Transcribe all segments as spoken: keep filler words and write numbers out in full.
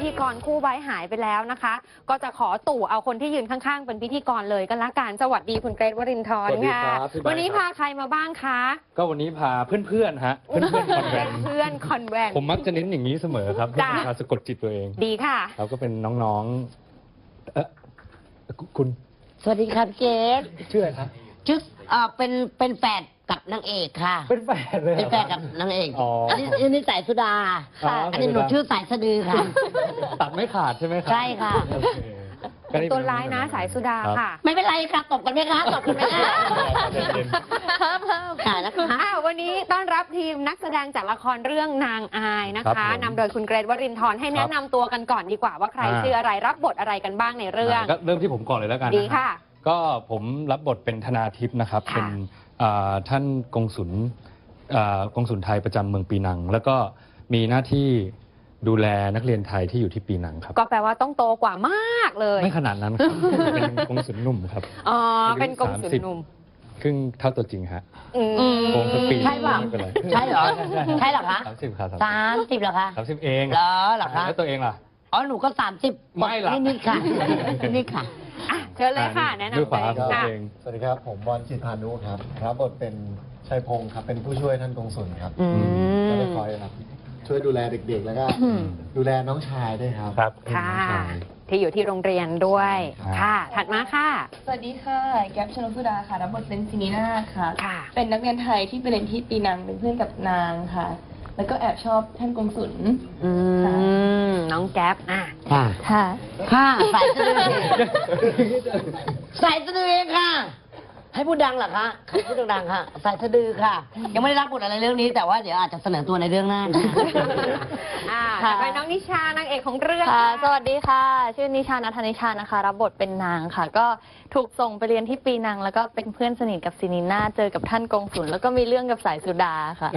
ธีกรคู่ไว้หายไปแล้วนะคะก็จะขอตู่เอาคนที่ยืนข้างๆเป็นพิธีกรเลยก็แล้วกันสวัสดีคุณเกรทวรินทร์ค่ะวันนี้พาใครมาบ้างคะก็วันนี้พาเพื่อนๆฮะเพื่อนๆคอนแวนเพื่อนคอนแวนผมมักจะเน้นอย่างนี้เสมอครับเพื่อการสะกดจิตตัวเองดีค่ะเราก็เป็นน้องๆเออคุณสวัสดีครับเกศชื่ออะไรครับชื่อเอ่อเป็นเป็นแฝดกับนางเอกค่ะเป็นแฝดเลยเป็นแฝดกับนางเอกอันนี้อันนี้สายสุดาอันนี้หนูชื่อสายสะดือค่ะตัดไม่ขาดใช่ไหมครับใช่ค่ะเป็นตัวร้ายนะสายสุดาค่ะไม่เป็นไรค่ะตบกันไหมคะตบกันไหมคะเพิ่มเพิ่มค่ะนะคะวันนี้ต้อนรับทีมนักแสดงจากละครเรื่องนางอายนะคะนำโดยคุณเกรทวรินทร์ให้แนะนำตัวกันก่อนดีกว่าว่าใครชื่ออะไรรับบทอะไรกันบ้างในเรื่องก็เริ่มที่ผมก่อนเลยแล้วกันดีค่ะก็ผมรับบทเป็นธนาทิพย์นะครับเป็นท่านกงสุลกงสุลไทยประจำเมืองปีนังแล้วก็มีหน้าที่ดูแลนักเรียนไทยที่อยู่ที่ปีนังครับก็แปลว่าต้องโตกว่ามากเลยไม่ขนาดนั้นครับเป็นกงสุลหนุ่มครับอ๋อเป็นกงสุลหนุ่มครึ่งเท่าตัวจริงฮะโกงสักปีใช่ป่ะใช่เหรอใช่เหรอคะสามสิบครับสามสิบเหรอคะสามสิบเองเหรอเหรอคะแล้วตัวเองล่ะอ๋อหนูก็สามสิบไม่ล่ะนี่ค่ะนี่ค่ะเชิญเลยค่ะแนะนำตัวเองสวัสดีครับผมบอลจิตพานุครับรับบทเป็นชัยพงศ์ครับเป็นผู้ช่วยท่านกงสุลครับก็จะคอยครับช่วยดูแลเด็กๆแล้วก็ดูแลน้องชายด้วยครับครับค่ะที่อยู่ที่โรงเรียนด้วยค่ะถัดมาค่ะสวัสดีค่ะแก๊ปชนสุดาค่ะรับบทเป็นซินีนาค่ะเป็นนักเรียนไทยที่ไปเรียนที่ปีนังเป็นเพื่อนกับนางค่ะแล้วก็แอบชอบท่านกงสุลน้องแก๊ปอ่ะค่ะค่ะค่ะสายสะดือสายสะดือเองค่ะให้พูดดังเหรอคะให้พูดดังๆค่ะสายสะดือค่ะยังไม่ได้รับบทอะไรเรื่องนี้แต่ว่าเดี๋ยวอาจจะเสนอตัวในเรื่องหน้าค่ะไปน้องนิชานางเอกของเรื่องค่ะสวัสดีค่ะชื่อนิชานัทนิชานะคะรับบทเป็นนางค่ะก็ถูกส่งไปเรียนที่ปีนังแล้วก็เป็นเพื่อนสนิทกับซินีนาเจอกับท่านกงสุลแล้วก็มีเรื่องกับสายสุดาค่ะ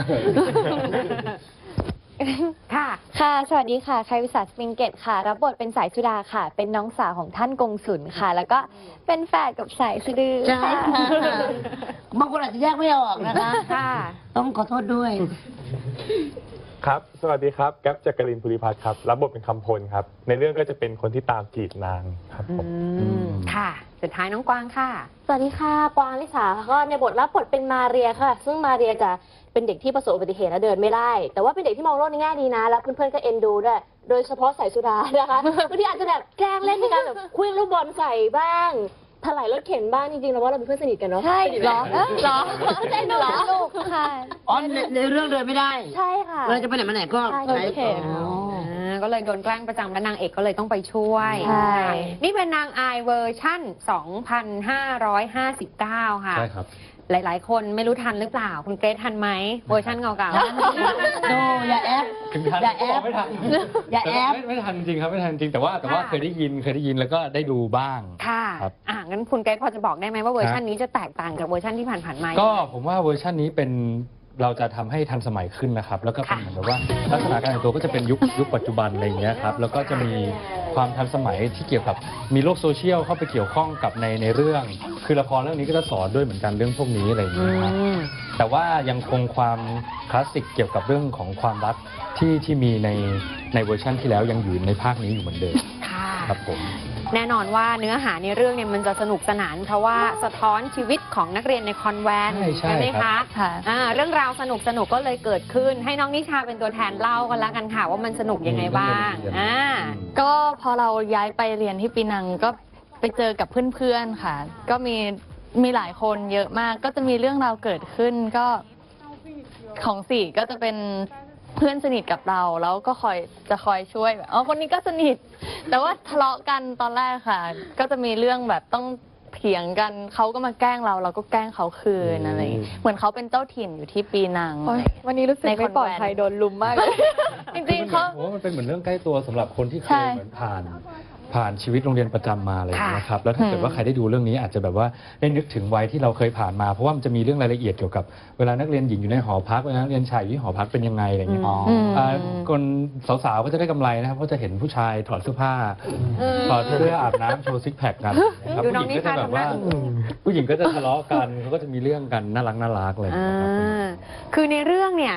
ค่ะค่ะสวัสดีค่ะชัยวิสาสปริงเกตค่ะรับบทเป็นสายสุดาค่ะเป็นน้องสาวของท่านกงสุลค่ะแล้วก็เป็นแฝดกับสายสะดือใช่บางคนอาจจะแยกไม่ออกนะคะค่ะต้องขอโทษด้วยครับสวัสดีครับแก๊ปจักรินทร์ภูริพัฒน์ครับรับบทเป็นคำพลครับในเรื่องก็จะเป็นคนที่ตามจีบนางครับผมค่ะสุดท้ายน้องกวางค่ะสวัสดีค่ะกวางลิสาก็ในบทรับบทเป็นมาเรียค่ะซึ่งมาเรียจะเป็นเด็กที่ประสบอุบัติเหตุและเดินไม่ได้แต่ว่าเป็นเด็กที่มองโลกในแง่ดีนะแล้วเพื่อนๆก็เอ็นดูด้วยโดยเฉพาะสายสุดานะคะบางทีอาจจะแบบแกล้งเล่นในการแบบเคลื่อนลูกบอลใส่บ้างถลายรถเข็นบ้างจริงๆแล้วว่าเราเป็นเพื่อนสนิทกันเนาะใช่เหรอเหรอใช่เหรอลูกค่ะอ๋อในเรื่องเดินไม่ได้ใช่ค่ะเราจะไปไหนมาไหนก็ใช้เข็นก็เลยโดนแกล้งประจำและนางเอกก็เลยต้องไปช่วยใช่นี่เป็นนางอายเวอร์ชั่นสองพันห้าร้อยห้าสิบเก้าค่ะใช่ครับหลายๆคนไม่รู้ทันหรือเปล่าคุณเกรททันไหมเวอร์ชันเก่าๆโนอย่าแอปอย่าแอปไม่ทันอย่าแอปไม่ทันจริงครับไม่ทันจริงแต่ว่าแต่ว่าเคยได้ยินเคยได้ยินแล้วก็ได้ดูบ้างค่ะอ่ะงั้นคุณเกรทพอจะบอกได้ไหมว่าเวอร์ชันนี้จะแตกต่างจากเวอร์ชันที่ผ่านๆมาก็ผมว่าเวอร์ชันนี้เป็นเราจะทำให้ทันสมัยขึ้นนะครับแล้วก็เป็นเหมือนแบบว่าลักษณะการแต่งตัวก็จะเป็นยุคยุคปัจจุบันอะไรอย่างเงี้ยครับแล้วก็จะมีความทันสมัยที่เกี่ยวกับมีโลกโซเชียลเข้าไปเกี่ยวข้องกับในในเรื่องคือละครเรื่องนี้ก็จะสอนด้วยเหมือนกันเรื่องพวกนี้อะไรอย่างเงี้ยครับแต่ว่ายังคงความคลาสสิกเกี่ยวกับเรื่องของความรักที่ที่มีในในเวอร์ชันที่แล้วยังอยู่ในภาคนี้อยู่เหมือนเดิมครับผมแน่นอนว่าเนื้อหาในเรื่องเนี่ยมันจะสนุกสนานเพราะว่าสะท้อนชีวิตของนักเรียนในคอนแวนต์ใช่ไหมคะเรื่องราวสนุกสนุกก็เลยเกิดขึ้นให้น้องนิชาเป็นตัวแทนเล่ากันละกันค่ะว่ามันสนุกยังไงบ้างอ่าก็พอเราย้ายไปเรียนที่ปีนังก็ไปเจอกับเพื่อนๆค่ะก็มีมีหลายคนเยอะมากก็จะมีเรื่องราวเกิดขึ้นก็ของสี่ก็จะเป็นเพื่อนสนิทกับเราแล้วก็คอยจะคอยช่วยแบบอ๋อคนนี้ก็สนิทแต่ว่าทะเลาะกันตอนแรกค่ะก็จะมีเรื่องแบบต้องเถียงกันเขาก็มาแกล้งเราเราก็แกล้งเขาคืนอะไรเหมือนเขาเป็นเจ้าถิ่นอยู่ที่ปีนังวันนี้รู้สึกไม่ปลอดภัยโดนลุมมากเลยจริงๆเขาว่ามันเป็นเหมือนเรื่องใกล้ตัวสำหรับคนที่เคยเหมือนผ่านผ่านชีวิตโรงเรียนประจำมาเลยนะครับแล้วถ้าเกิดว่าใครได้ดูเรื่องนี้อาจจะแบบว่าได้นึกถึงวัยที่เราเคยผ่านมาเพราะว่ามันจะมีเรื่องรายละเอียดเกี่ยวกับเวลานักเรียนหญิงอยู่ในหอพักเวลานักเรียนชายอยู่ที่หอพักเป็นยังไงอะไรเงี้ยคนสาวๆก็จะได้กำไรนะครับเพราะจะเห็นผู้ชายถอดเสื้อผ้าถอดเสื้ออาบน้ำโชว์ซิกแพคกันผู้หญิงก็จะแบบว่าผู้หญิงก็จะทะเลาะกันเขาก็จะมีเรื่องกันน่ารักน่ารักเลยคือในเรื่องเนี่ย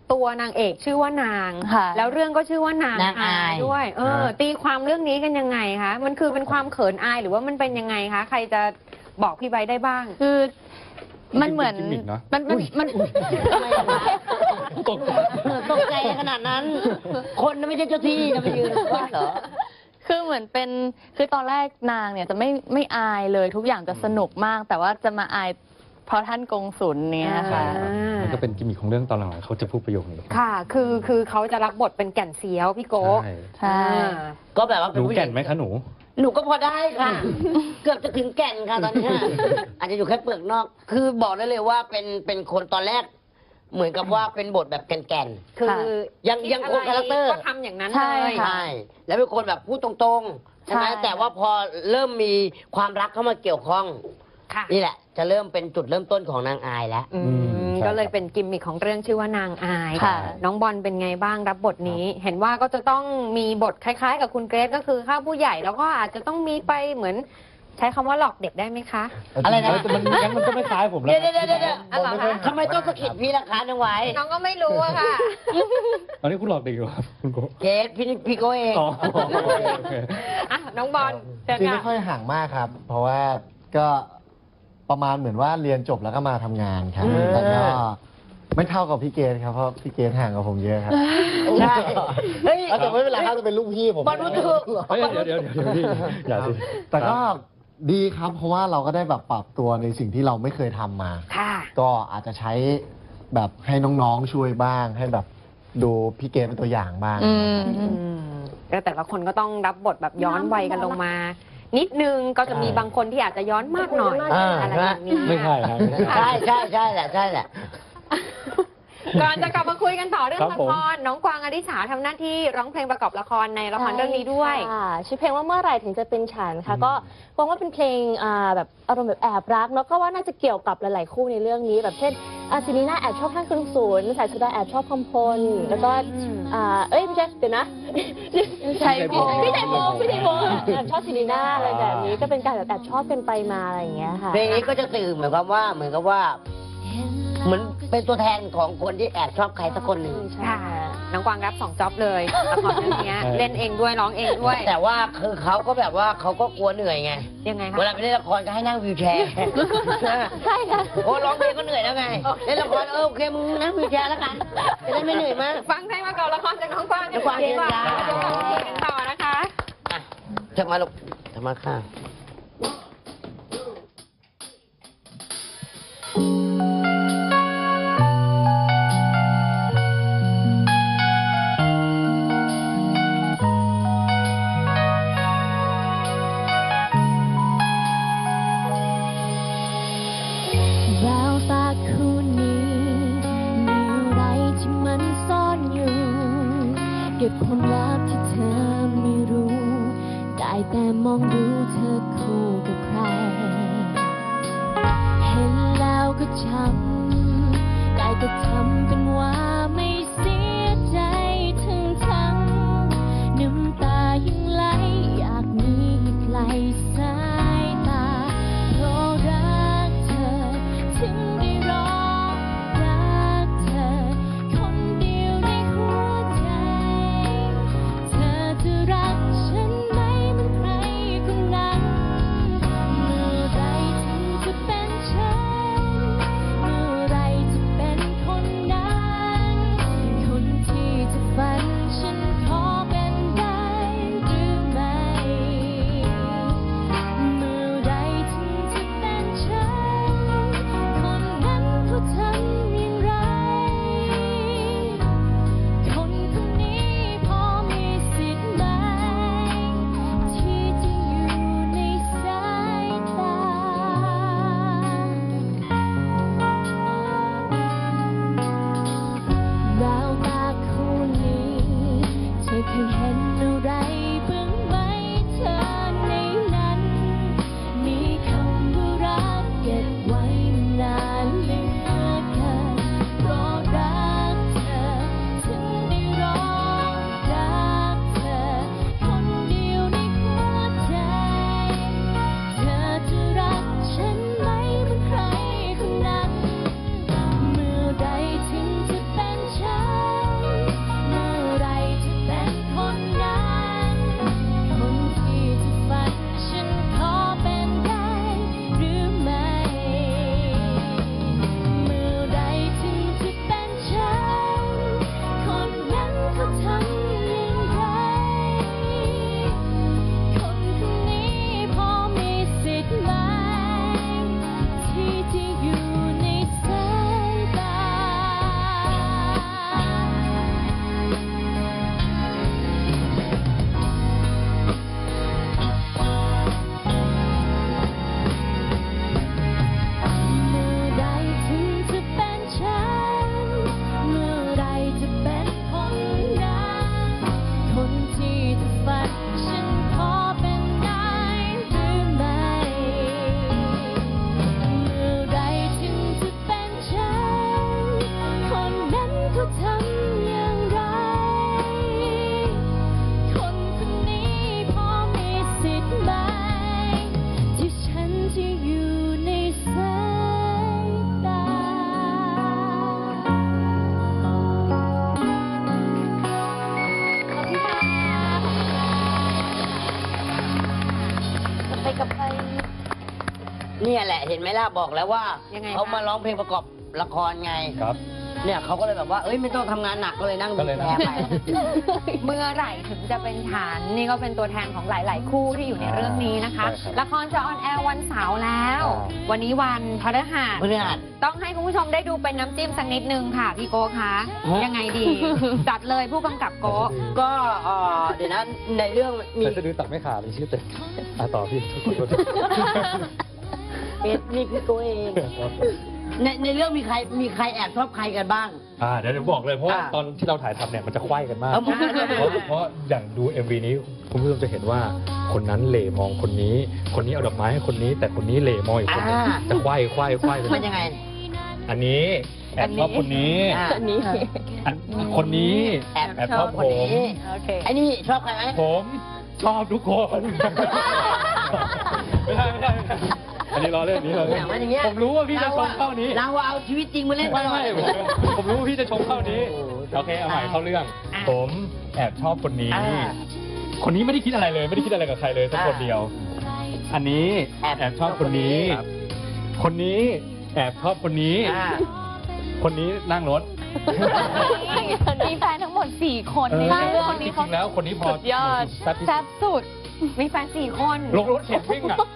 ตัวนางเอกชื่อว่านางค่ะแล้วเรื่องก็ชื่อว่านางนางอายด้วย เออ ตีความเรื่องนี้กันยังไงคะมันคือเป็นความเขินอายหรือว่ามันเป็นยังไงคะใครจะบอกพี่ใบได้บ้างคือมันเหมือนเป็นกิมมิคเนอะมันมันมันทำไมอะคะตกใจตกใจขนาดนั้น คนน่ะไม่ใช่เจ้าที่จะไปยืนว่าเหรอคือเหมือนเป็นคือตอนแรกนางเนี่ยจะไม่ไม่อายเลยทุกอย่างจะสนุกมาก แต่ว่าจะมาอายเพราะท่านกงสุลเนี่ยค่ะอ่ามันก็เป็นกิมมิคของเรื่องตอนหลังๆเขาจะพูดประโยคนี้ค่ะ คือคือเขาจะรับบทเป็นแก่นเซียวพี่โก้ใช่ใช่อ่าก็แบบว่าหเป็นนูผู้หแก่ญินงไหมคะหนูหนูก็พอได้ค่ะ เกือบจะถึงแก่นค่ะตอนเนี้ยอาจจะอยู่แค่เปลือกนอก คือบอกได้เลยว่าเป็นเป็นคนตอนแรก เหมือนกับว่าเป็นบทแบบแก่นคือค่ะยังยังคงคาแรคเตอร์ก็ทำอย่างนั้นใช่เลยๆใช่แล้วเป็นคนแบบพูดตรงๆใช่ไหมใช่แต่ว่าพอเริ่มมีความรักเข้ามาเกี่ยวข้องค่ะนี่แหละ จะเริ่มเป็นจุดเริ่มต้นของนางอายแล้วอือืมมใช่ก็เลยเป็นกิมมิคของเรื่องชื่อว่านางอายค่ะน้องบอลเป็นไงบ้างรับบทนี้ เห็นว่าก็จะต้องมีบทคล้ายๆ กับคุณเกรซก็คือข้าผู้ใหญ่แล้วก็อาจจะต้องมีไปเหมือนใช้คำว่าหลอกเด็กได้ไหมคะอะไรนะแต่มันงั้นมันก็ไม่คล้ายผมแล้วเดี๋ยวเดี๋ยวเดี๋ยวเดี๋ยวอ๋อเหรอคะทำไมต้องสะกิดพี่ล่ะคะน้องไว้น้องก็ไม่รู้อะค่ะตอนนี้คุณหลอกเด็กอยู่ครับคุณโกเกดพี่พี่โก้เองอ๋อโอเคอ่ะน้องบอลเชิญจริงค่ะไม่ค่อยห่างมากครับ เพราะว่าก็ประมาณเหมือนว่าเรียนจบแล้วก็มาทำงานครับอืมแล้วก็ไม่เท่ากับพี่เกณครับเพราะพี่เกณห่างกับผมเยอะครับใช่เฮ้ยแต่ไม่เป็นไรครับจะเป็นลูกพี่ผมบอลรู้ถูกเฮ้ยเดี๋ยวเดี๋ยวเดี๋ยวเดี๋ยวพี่อย่าสิแต่ก็ดีครับ เพราะว่าเราก็ได้แบบปรับตัวในสิ่งที่เราไม่เคยทำมาค่ะก็อาจจะใช้แบบให้น้องๆช่วยบ้าง ให้แบบดูพี่เกณเป็นตัวอย่างบ้างอืมอืมแล้วแต่ละคนก็ต้องรับบทแบบย้อนวัยกันลงมา นิดนึงก็จะมีบางคนที่อาจจะย้อนมากหน่อยอ่าอะไรแบบนี้ไม่ใช่ครับไม่ใช่ใช่ใช่ใช่แหละใช่แหละก่อนจะกลับมาคุยกันต่อเรื่องครับละผมครน้องกวางอดิษาทำหน้าที่ร้องเพลงประกอบละครในละครเรื่องนี้ด้วยค่ะชื่อเพลงว่าเมื่อไหร่ถึงจะเป็นฉันค่ะก็หวังว่าเป็นเพลงอ่าแบบอารมณ์แบบแอบรักเนาะก็ว่าน่าจะเกี่ยวกับหลาย ๆ คู่ในเรื่องนี้ แบบเช่นอาซินีน่าแอบชอบท่านคุณศูนย์สายสุดาแอบชอบคำพลแล้วก็อ่าเอ้ยไม่ใช่เดี๋ยวนะชัยพงษ์พี่ชัยพงษ์พี่ชัยพงษ์แอบชอบซินีน่าอะไรแบบนี้ก็เป็นการแบบแอบชอบกันไปมาอะไรอย่างเงี้ยค่ะเพลงนี้ก็จะสื่อเหมือนกับว่าเหมือนกับว่า เหมือนเป็นตัวแทนของคนที่แอบชอบใครสักคนหนึ่งค่ะ น้องกวางรับสองจ็อบเลยละครเรื่องเนี้ยใช่เล่นเองด้วยร้องเองด้วยแต่ว่าคือเขาก็แบบว่าเขาก็กลัวเหนื่อยไงยังไงคะเวลาไปเล่นละครก็ให้นั่งวิวแชร์ใช่ค่ะโอ้ร้องเพลงก็เหนื่อยแล้วไง เล่นละครเออโอเคมึงนั่งวิวแชร์แล้วกันจะได้ไม่เหนื่อยมากฟังเพลงประกอบละครจากน้องกวางกันน้องกวางดีกว่าเชิญจ้าเดี๋ยวกลับมาคุยกันต่อนะคะอ่ะจะมาลูกจะมาค่ะแววตาคู่นี้มีอะไรที่มันซ่อนอยู่ เก็บความลับที่เธอไม่รู้ ได้แต่มองดูเธอคู่กับใคร เห็นแล้วก็ช้ำได้แต่ทำเป็นว่าไม่เสียใจทั้งทั้งน้ำตายังไหลอยากหนีให้ไกลสายตาเพราะรักเธอถึงได้ร้องรักเธอคนเดียวในหัวใจ เธอจะรักฉันไหมเหมือนใครคนนั้น เมื่อไรถึงจะเป็นฉัน เมื่อไรจะเป็นคนนั้นเนี่ยแหละเห็นไหมล่ะบอกแล้วว่ายังไงเขามาคะร้องเพลงประกอบละครไงครับเนี่ยเขาก็เลยแบบว่าเอ้ยไม่ต้องทำงานหนักก็เลยนั่งก็ดูเลยแลนั่งไปเมื่อไหร่ถึงจะเป็นฐานนี่ก็เป็นตัวแทนของหลาย ๆ คู่ที่อยู่ในเรื่องนี้นะคะใช่ครับละครจะออนแอร์วันเสาร์แล้วอ่าวันนี้วันพฤหัสพฤหัสต้องให้คุณผู้ชมได้ดูเป็นน้ำจิ้มสักนิดนึงค่ะพี่โก้คะฮะยังไงดี จัดเลยผู้กำกับโก้ก็เอ่อเดี๋ยวนะในเรื่องมีแต่สะดือตัดไม่ขาดเลยชื่อเต็มอ่ะต่อพี่เอสนี่พี่โกเองในในเรื่องมีใครมีใครแอบชอบใครกันบ้างอ่าเดี๋ยวเดี๋ยวบอกเลยเพราะว่าอ่าตอนที่เราถ่ายทำเนี่ยมันจะไขว้กันมากเอาเพราะเพราะอย่างดู เอ็ม วี นี้คุณผู้ชมจะเห็นว่าคนนั้นเหล่มองคนนี้ คนนี้เอาดอกไม้ให้คนนี้ แต่คนนี้เหล่มองอีกคนนึงอ่าจะไขว้ไขว้ไขว้มันยังไงอันนี้แอบชอบคนนี้อ่าอันนี้อันคนนี้แอบแอบชชออบบ คผนมนี้โอเคไอ้นี่ชอบใครไหมผมชอบทุกคน ไม่ได้ไม่ได้ไม่ได้อันนี้ล้อเล่นนี้เลยอย่างนั้นอย่างเงี้ยผมรู้ว่าพี่จะชมเข้านี้เราเอาชีวิตจริงมาเล่นไม่ตลอดไม่ผมผมรู้ว่าพี่จะชมเข้านี้ โอเคเอาใหม่เข้าเรื่องอ่ะผมแอบชอบคนนี้อ่าคนนี้ไม่ได้คิดอะไรเลย ไม่ได้คิดอะไรกับใครเลยสักคนเดียว อันนี้แอบแอบชอบคนนี้ คนนี้แอบชอบคนนี้อ่าคนนี้นั่งรถมีแฟนทั้งหมดสี่คนเออในเรื่องจนี้ริงๆแล้วคนนี้พอสุดยอดแซ่บที่สุแซ่ดบสุดมีแฟนสี่คนลงรถเข็นวิ่งอ่ะ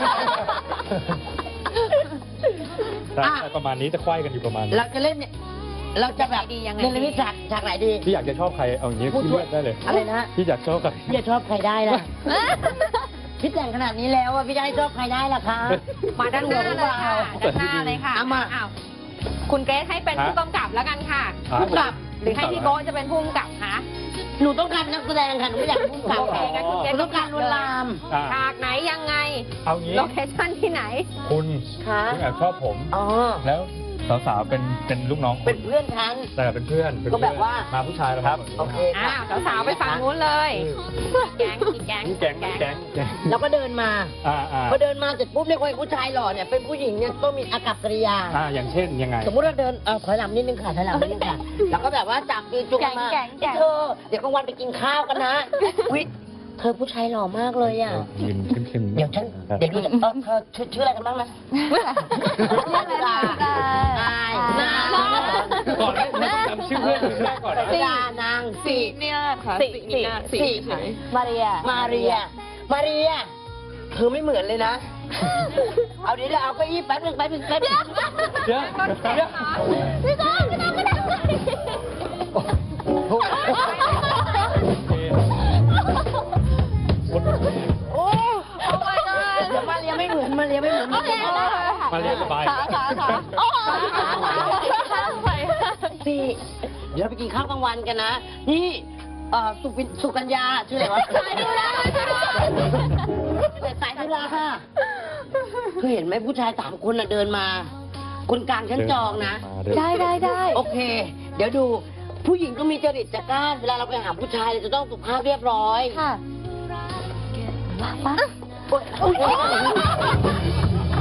แต่อ่ะแต่ประมาณนี้จะไขว้กันอยู่ประมาณนี้เราจะเล่นเนี่ยเราจะแบบดียังไงเล่นเรื่องฉากฉากไหนดีพี่อยากจะชอบใครเอาอย่างนี้พูดพี่ด้วยเลือกได้เลยอะไรนะพี่อยากชอบใครพี่จะชอบใครได้ล่ะ พี่แต่งขนาดนี้แล้วอะพี่จะให้ชอบใครได้ล่ะคะมาด้านหน้าเลยค่ะด้านหน้าเลยค่ะเอามาอ้าวคุณเกรซให้เป็นผู้กำกับแล้วกันค่ะผู้กำกับหรือให้พี่โก้จะเป็นผู้กำกับคะหนูต้องการนักแสดงค่ะหนูไม่อยากเป็นผู้กำกับโอเคงั้นคุณเกรหซนูต้องการลวนลามอ่ะฉากไหนยังไงเอางี้โลเคชั่นที่ไหนคุณค่ะคุณแอบชอบผมอ๋อแล้วสาวๆเป็นเป็นลูกน้องคุเป็ณนเพื่อนฉันแต่เป็นเพื่อนเป็นก็เพื่อนแบบว่ามาผู้ชายแล้วครับโอเคอ้าวสาวๆไปฝั่งนู้นเลย แก๊งอีกแก๊งแก๊งแก๊งแก๊งแล้วก็เดินมาอ่าอ่าพอเดินมาเสร็จปุ๊บเนี่ยคนผู้ชายหล่อเนี่ยเป็นผู้หญิงเนี่ยต้องมีอากับกิริยาอ่าอย่างเช่นยังไงสมมุติเราเดินเออถอยหลังนิดนึงค่ะถอยหลังนิดนึงค่ะ แล้วก็แบบว่าจับมือจุงกันมาแก๊งแก๊งเธอเดี๋ยวกลางวันไปกินข้าวกันนะวิเธอผู้ชายหล่อมากเลยอ่ะยืนเข้มๆเดี๋ยวฉันเดี๋ยวดูจากเออเธอชื่อชื่ออะไรกันบ้างนะชื่ออะไรล่ะนายนางก่อนให้จำชื่อเพื่อนแรกก่อนนะดานางสีเนี่ยค่ะสีสีสีเนี่ยสีสีมาเรียมาเรีย มาเรีย เธอไม่เหมือนเลยนะ เอาเดี๋ยวเราเอาไปอีกแป๊บนึงแป๊บนึงแป๊บนึงเดี๋ยวเดี๋ยวพี่ก้องพี่ก้องไม่ได้โอ้ my god เดี๋ยวมาเรียไม่เหมือนมาเรียไม่เหมือนโอเคได้ค่ะมาเรียกสบายขาขาขาโอ้ขาขาขาขาไปสี่เดี๋ยวเราไปกินข้าวกลางวันกันนะ นี่เอ่อสุปินสุกัญญาชื่ออะไรวะสายดูแลช่วยด้วยสายธุระค่ะเธอเห็นไหมผู้ชายสามคนน่ะเดินมา คนกลางฉันจองนะได้ได้ได้โอเค เดี๋ยวดูผู้หญิงก็มีจริตจักร้านเวลาเราไปหาผู้ชายเราจะต้องสุภาพเรียบร้อยค่ะมาปะโอ๊ยโอ๊ยโอ๊ย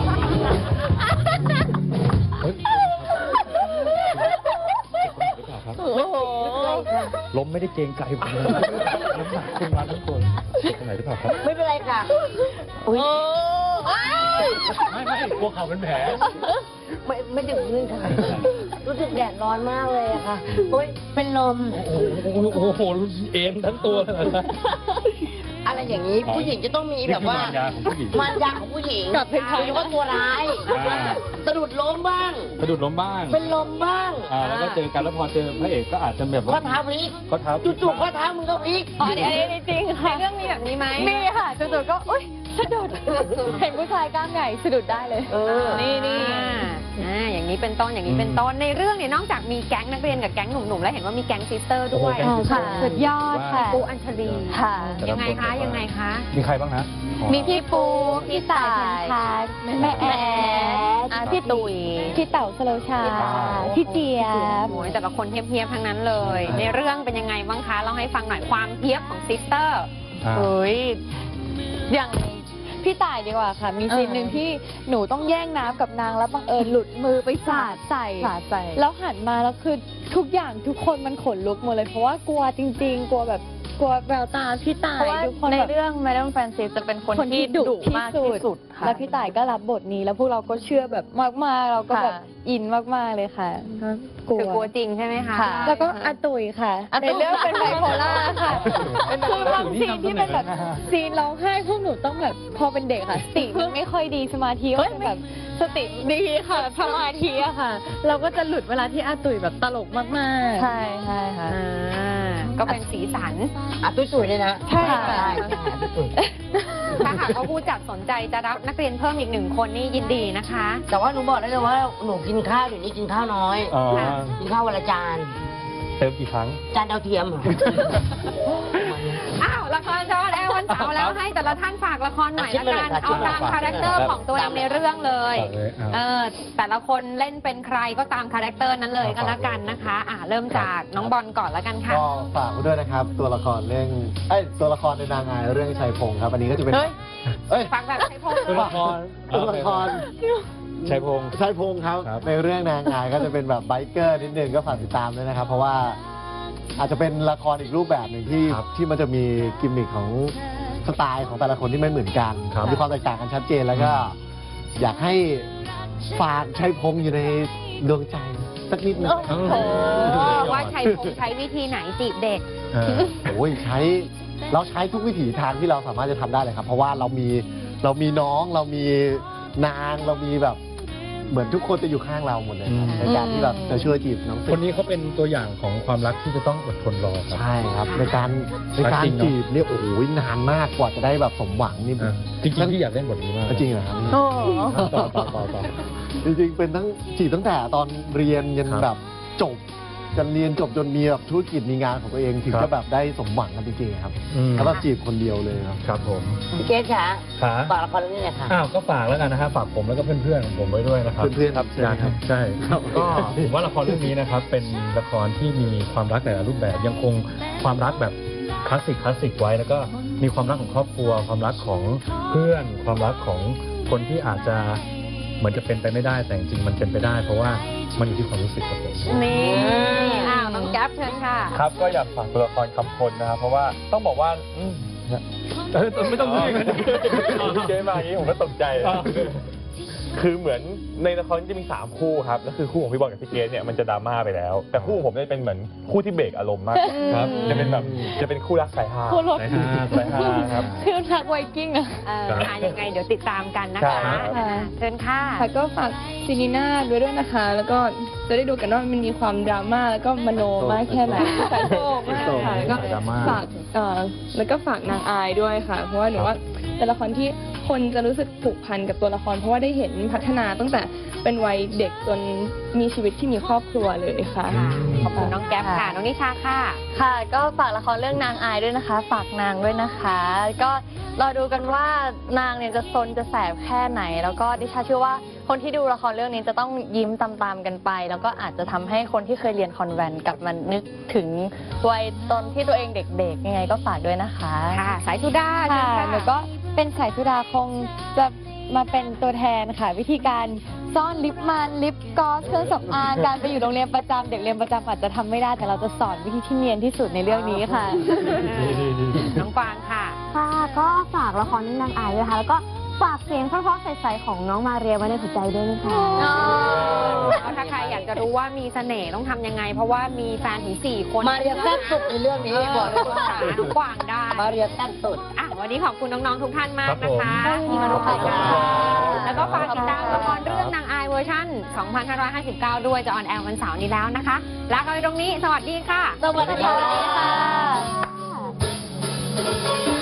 โอ้โหล้มไม่ได้เกรงใจผมเลยน้ำหนักขึ้นมาทั้งตัวเจ็บตรงไหนหรือเปล่าครับไม่เป็นไรค่ะอุ้ยไม่ไม่กลัวเข่าเป็นแผลไม่ไม่ถึงพื้นค่ะ รู้สึกแดดร้อนมากเลยอะค่ะโอ๊ยเป็นลมโอ้โหโอ้โหเอ็นทั้งตัวเลยนะอะไรอย่างนี้ผู้หญิงจะต้องมีแบบว่านี่คือมารยาของผู้หญิงมารยาของผู้หญิงกับเพทายว่าตัวร้ายอ่าสะดุดล้มบ้างสะดุดล้มบ้างเป็นลมบ้างอ่าแล้วก็เจอกันแล้วพอเจอพระเอกก็อาจจะแบบข้อว่าเท้าพลิกข้อเท้าจู่ๆข้อเท้ามึงก็พลิกอ๋ออันนี้อันนี้จริงค่ะในเรื่องมีแบบนี้ไหมมีค่ะจู่ๆก็อุ้ยสะดุด เห็นผู้ชายกล้ามใหญ่สะดุดได้เลยเออนี่นี่อ่าอ่าอย่างนี้เป็นต้นอย่างนี้เป็นต้นในเรื่องเนี่ยนอกจากมีแก๊งนักเรียนกับแก๊งหนุ่มๆแล้วเห็นว่ามีแก๊งซิสเตอร์ด้วยโอ้โหแก๊งซิสเตอร์ค่ะสุดยอดค่ะปูอัญชลีค่ะยังไงคะยังไงคะมีใครบ้างนะมีพี่ปู พี่ต่ายแม่แอดอ่ะพี่ตุ๋ย พี่เต๋าสโลชา พี่เจี๊ยบโอ้ยแต่ละคนเทียบๆทั้งนั้นเลย ในเรื่องเป็นยังไงบ้างคะเล่าให้ฟังหน่อยความเทียบของซิสเตอร์อ่าเฮ้ย อย่างพี่ต่ายดีกว่าค่ะ มีซีนหนึ่งที่หนูต้องแย่งน้ำกับนางแล้วบังเอิญหลุดมือไปสาดใส่สาดใส่แล้วหันมาแล้วคือทุกอย่างทุกคนมันขนลุกหมดเลย เพราะว่ากลัวจริง ๆ กลัวแบบกลัวแววตาพี่ต่ายเพราะว่าทุกคนในแบบเรื่อง Madam Francis จะเป็นคนคนที่ที่ดุดุที่มากสุที่ดสุดค่ะแล้วพี่ต่ายก็รับบทนี้ แล้วพวกเราก็เชื่อแบบมากๆ เราก็แบบค่ะอินมากๆเลยค่ะก็กลัคืวอกลัวจริงใช่ไหมคะค่ะแล้วก็อาตุยค่ะอาตุ๋ในยเรื่องเป็นไบโพล่าค่ะคือบางซีนที่เป็นแบบซีนร้องไห้พวกหนูต้องแบบพอเป็นเด็กค่ะสติมันไม่ค่อยดีสมาธิก็จะแบบสติดีค่ะสมาธิอะค่ะ เราก็จะหลุดเวลาที่อาตุยแบบตลกมากๆใช่ใช่ค่ะอ่าก็เป็นสีสันอ่ะตุ้ยตุ๋ยเลยนะใช่ค่ะใช่ตุ้ยตุ๋ยถ้าหากว่าผู้จัดสนใจจะรับนักเรียนเพิ่มอีกหนึ่งคนนี่ยินดีนะคะแต่ว่าหนูบอกได้เลยว่าหนูกินข้าวเดี๋ยวนี้กินข้าวน้อยอ๋อกินข้าววันละจานเติมกี่ครั้งจานดาวเทียมเหรออ้าวละครจอแอร์วันเสาร์แล้วให้แต่ละท่านฝากละครหน่อยละกัน เอาตามคาแรคเตอร์ของตัวเองในเรื่องเลยฝากเลยอ่ะเออแต่ละคนเล่นเป็นใครก็ตามคาแรคเตอร์นั้นเลยก็แล้วกันนะคะ อ่าเริ่มจากน้องบอลก่อนแล้วกันค่ะก็ฝากไว้ด้วยนะครับ ตัวละครเรื่องเอ้ยตัวละครในนางอายเรื่องชัยพงศ์ครับ อันนี้ก็จะเป็นเฮ้ยเอ้ยฝากแบบใช้พงตัวละครตัวละครชัยพงศ์ชัยพงศ์ครับครับในเรื่องนางอายก็จะเป็นแบบไบเกอร์นิดนึงก็ฝากติดตามด้วยนะครับ เพราะว่าอาจจะเป็นละครอีกรูปแบบหนึ่งที่ที่มันจะมีกิมมิคของสไตล์ของแต่ละคนที่ไม่เหมือนกันมีความแตกต่างกันชัดเจนแล้วก็อยากให้ฝากชัยพงศ์อยู่ในดวงใจสักนิดหนึงโอ้โหว่าชัยพงใช้วิธีไหนจีบเด็กเออโอ้ยใช้เราใช้ทุกวิถีทางที่เราสามารถจะทำได้เลยครับ เพราะว่าเรามีเรามีน้องเรามีนางเรามีแบบเหมือนทุกคนจะอยู่ข้างเราหมดเลยครับอืมในการที่แบบจะช่วยจีบน้องคนนี้เขาเป็นตัวอย่างของความรักที่จะต้องอดทนรอครับใช่ครับในการในการจริงเนอะจีบเนี่ยโอ้โหนานมากกว่าจะได้แบบสมหวังนี่อ่ะจริงๆพี่อยากเล่นบทนี้มากจริงเหรอครับโอ้ต่อต่อต่อต่อจริงๆเป็นทั้งจีบตั้งแต่ตอนเรียนยันครับแบบจบจนเรียนจบจนมีแบบธุรกิจมีงานของตัวเองถึงครับจะแบบได้สมหวังกันจริงๆครับอืมแล้วแบบจีบคนเดียวเลยครับครับผมพี่เกศค่ะขาฝากละครเรื่องนี้หน่อยค่ะอ้าวก็ฝากแล้วกันนะฮะฝากผมแล้วก็เพื่อนๆของผมไว้ด้วยนะครับเพื่อนๆครับใช่ไหมครับใช่ก็ผมว่าละครเรื่องนี้นะครับ เป็นละครที่มีความรักแต่ละรูปแบบยังคงความรักแบบคลาสสิกคลาสสิกไว้ แล้วก็มีความรักของครอบครัว ความรักของเพื่อน ความรักของคนที่อาจจะเหมือนจะเป็นไปไม่ได้แต่จริงๆมันเป็นไปได้ เพราะว่ามันอยู่ที่ความรู้สึกครับผมนี่อ้าวน้องแก๊ปเชิญค่ะครับก็อยากฝากตัวละครคำพลนะครับเพราะว่าต้องบอกว่าอืมเออไม่ต้องพูดอย่างนั้นพี่เกมาอย่างนี้ผมก็ตกใจอ่าคือเหมือนในละครจะมีสามคู่ครับแล้วคือคู่ของพี่บอลกับพี่เกสเนี่ยมันจะดราม่าไปแล้ว แต่คู่ของผมจะเป็นเหมือนคู่ที่เบรกอารมณ์มากกว่าครับจะเป็นแบบจะเป็นคู่รักสายฮาคู่รถสายฮาสายฮาครับคือทักไวกิ้งอะเออครับอ่ะยังไงเดี๋ยวติดตามกันนะใช่คะครับอ่าเชิญค่ะค่ะก็ฝากซีนีน่าด้วยด้วยนะคะ แล้วก็จะได้ดูกันว่ามันมีความดราม่าแล้วก็มโนมากแค่ไหนสายโตมากค่ะแล้วก็ดราม่าฝากเอ่อแล้วก็ฝากนางอายด้วยค่ะ เพราะว่าหนูว่าเป็นละครที่คนจะรู้สึกผูกพันกับตัวละคร เพราะว่าได้เห็นพัฒนาตั้งแต่เป็นวัยเด็กจนมีชีวิตที่มีครอบครัวเลยค่ะค่ะขอบคุณน้องแก๊ปค่ะ น้องนิชาค่ะค่ะ ก็ฝากละครเรื่องนางอายด้วยนะคะ ฝากนางด้วยนะคะ ก็รอดูกันว่านางเนี่ยจะซนจะแสบแค่ไหน แล้วก็ดิฉันเชื่อว่าคนที่ดูละครเรื่องนี้จะต้องยิ้มตามๆกันไป แล้วก็อาจจะทำให้คนที่เคยเรียนคอนแวนต์กลับมานึกถึงวัยตอนที่ตัวเองเด็กๆยังไงก็ฝากด้วยนะคะค่ะ สายสุดาเชิญค่ะค่ะหนูก็เป็นสายสุดาคงจะมาเป็นตัวแทนค่ะ วิธีการซ่อนลิปมันลิปกลอสเครื่องสำอางการไปอยู่โรงเรียนประจำเด็กเรียนประจำอาจจะทำไม่ได้แต่เราจะสอนวิธีที่เนียนที่สุดในเรื่องนี้ค่ะน้องฟางค่ะค่ะก็ฝากละครเรื่องนางอายด้วยค่ะ แล้วก็ฝากเสียงเพราะๆใสๆของน้องมาเรียไว้ในหัวใจด้วยนะคะแล้วถ้าใครอยากจะรู้ว่ามีเสน่ห์ต้องทำยังไง เพราะว่ามีแฟนถึงสี่คนมาเรียแซ่บสุดในเรื่องนี้บอกเลยว่าหาน้องกวางได้มาเรียแซ่บสุดอ่ะวันนี้ขอบคุณน้องๆทุกท่านมากนะคะครับผมที่มาร่วมรายการขอบคุณครับแล้วก็ฝากติดตามละครเรื่องนางอายเวอร์ชันสองพันห้าร้อยห้าสิบเก้า ด้วยจะออนแอร์วันเสาร์นี้แล้วนะคะลากันไปตรงนี้ สวัสดีค่ะสวัสดีค่ะค่ะ